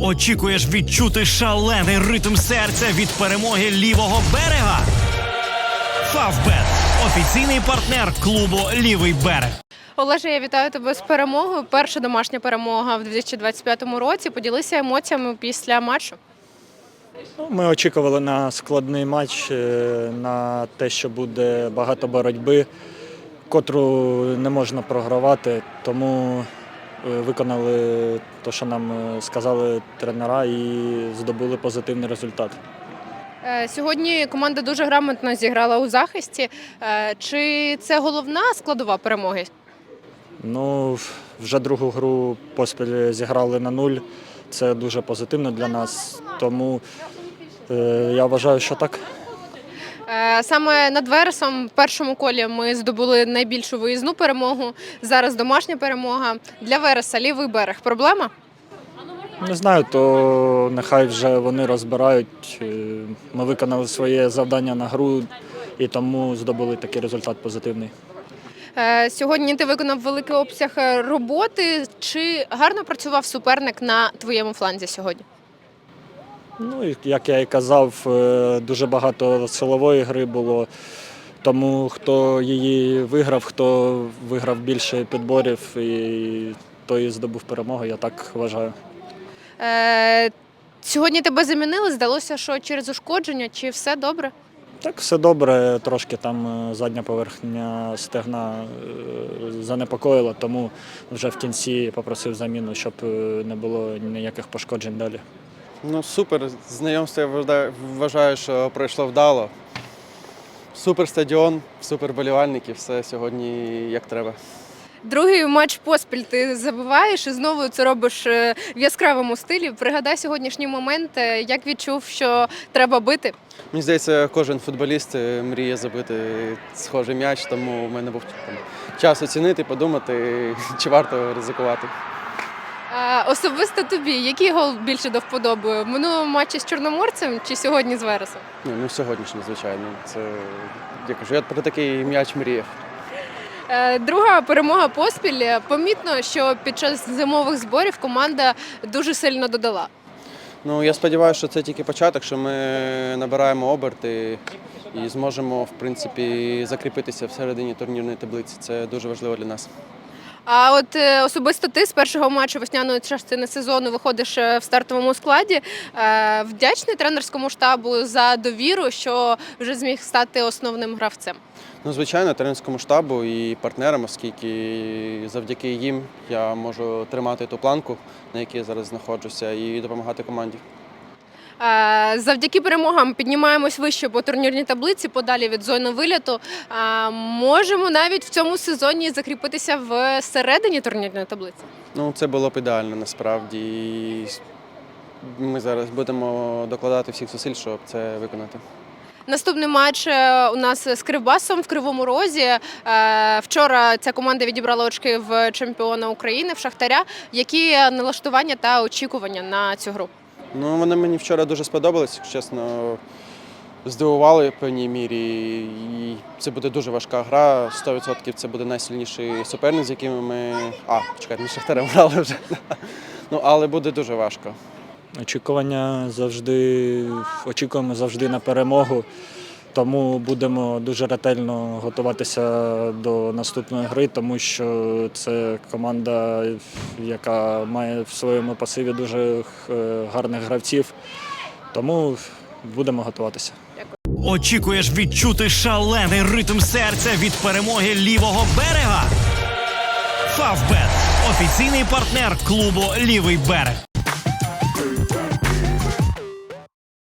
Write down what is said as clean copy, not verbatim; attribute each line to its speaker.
Speaker 1: Очікуєш відчути шалений ритм серця від перемоги лівого берега? Фавбет – офіційний партнер клубу «Лівий берег».
Speaker 2: Олеже, я вітаю тебе з перемогою. Перша домашня перемога в 2025 році. Поділися емоціями після матчу.
Speaker 3: Ми очікували на складний матч, на те, що буде багато боротьби, котру не можна програвати, тому виконали те, що нам сказали тренера, і здобули позитивний результат.
Speaker 2: Сьогодні команда дуже грамотно зіграла у захисті. Чи це головна складова перемоги?
Speaker 3: Вже другу гру поспіль зіграли на 0. Це дуже позитивно для нас, тому я вважаю, що так.
Speaker 2: Саме над Вересом в першому колі ми здобули найбільшу виїзну перемогу. Зараз домашня перемога. Для Вереса лівий берег – проблема?
Speaker 3: Не знаю, то нехай вже вони розбирають. Ми виконали своє завдання на гру і тому здобули такий результат позитивний.
Speaker 2: Сьогодні ти виконав великий обсяг роботи. Чи гарно працював суперник на твоєму фланзі сьогодні?
Speaker 3: Як я і казав, дуже багато силової гри було, тому хто її виграв, хто виграв більше підборів, і той здобув перемогу, я так вважаю.
Speaker 2: Сьогодні тебе замінили, здалося, що через ушкодження, чи все добре?
Speaker 3: Так, все добре, трошки там задня поверхня стегна занепокоїла, тому вже в кінці попросив заміну, щоб не було ніяких пошкоджень далі.
Speaker 4: Супер. Знайомство я вважаю, що пройшло вдало. Супер стадіон, супер болівальники, все сьогодні як треба.
Speaker 2: Другий матч поспіль ти забиваєш і знову це робиш в яскравому стилі. Пригадай сьогоднішній момент, як відчув, що треба бити.
Speaker 4: Мені здається, кожен футболіст мріє забити схожий м'яч, тому в мене був час оцінити, подумати, чи варто ризикувати.
Speaker 2: Особисто тобі, який гол більше до вподоби? В минулому матчі з Чорноморцем чи сьогодні з Вересом?
Speaker 4: Сьогоднішній, звичайно. Я кажу, я про такий м'яч мріяв.
Speaker 2: Друга перемога поспіль. Помітно, що під час зимових зборів команда дуже сильно додала.
Speaker 4: Я сподіваюся, що це тільки початок, що ми набираємо оберти і зможемо, в принципі, закріпитися всередині турнірної таблиці. Це дуже важливо для нас.
Speaker 2: А от особисто ти з першого матчу весняної частини сезону виходиш в стартовому складі. Вдячний тренерському штабу за довіру, що вже зміг стати основним гравцем?
Speaker 4: Звичайно, тренерському штабу і партнерам, оскільки завдяки їм я можу тримати ту планку, на якій я зараз знаходжуся, і допомагати команді.
Speaker 2: Завдяки перемогам піднімаємось вище по турнірній таблиці, подалі від зони виліту. Можемо навіть в цьому сезоні закріпитися всередині турнірної таблиці?
Speaker 4: Це було б ідеально, насправді. Ми зараз будемо докладати всіх зусиль, щоб це виконати.
Speaker 2: Наступний матч у нас з Кривбасом в Кривому Розі. Вчора ця команда відібрала очки в чемпіона України, в Шахтаря. Які налаштування та очікування на цю гру?
Speaker 4: Вони мені вчора дуже сподобались, чесно, здивували в певній мірі. І це буде дуже важка гра, 100% це буде найсильніший суперник, з якими ми... ми з Шахтарем грали вже. Але буде дуже важко.
Speaker 3: Очікуємо завжди на перемогу, тому будемо дуже ретельно готуватися до наступної гри, тому що це команда, яка має в своєму пасиві дуже гарних гравців, тому будемо готуватися.
Speaker 1: Очікуєш відчути шалений ритм серця від перемоги лівого берега? Фавбет – офіційний партнер клубу «Лівий берег».